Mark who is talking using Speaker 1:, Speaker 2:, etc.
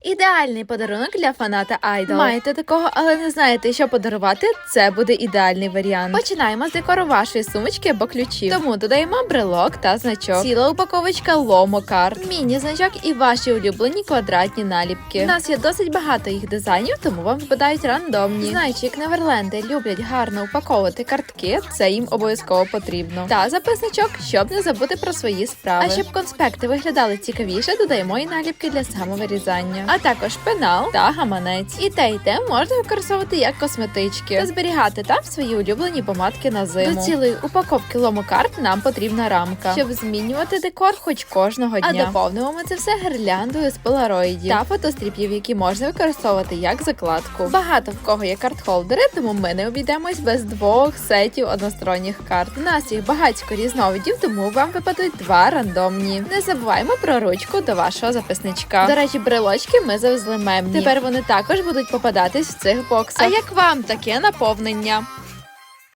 Speaker 1: Ідеальний подарунок для фаната Айдол. Маєте такого, але не знаєте, що подарувати? Це буде ідеальний варіант. Починаємо з декору вашої сумочки або ключів. Тому додаємо брелок та значок. Ціла упаковочка ломо-карт, міні-значок і ваші улюблені квадратні наліпки. У нас є досить багато їх дизайнів, тому вам випадають рандомні. Знаючи, як неверленди люблять гарно упаковувати картки, це їм обов'язково потрібно. Та записничок, щоб не забути про свої справи. А щоб конспекти виглядали цікавіше, додаємо і наліпки для самовирізання. А також пенал та гаманець. І те можна використовувати як косметички та зберігати там свої улюблені помадки на зиму. До цілої упаковки ломокарт нам потрібна рамка, щоб змінювати декор хоч кожного дня. А доповнимо ми це все гірляндою з полароїдів та фотостріпів, які можна використовувати як закладку. Багато в кого є карт-холдери, тому ми не обійдемось без 2 сетів односторонніх карт. У нас їх багатько різновидів, тому вам випадуть 2 рандомні. Не забуваємо про ручку до вашого записничка. До речі, брелочки ми завезли мемні. Тепер вони також будуть попадатись в цих боксах. А як вам таке наповнення?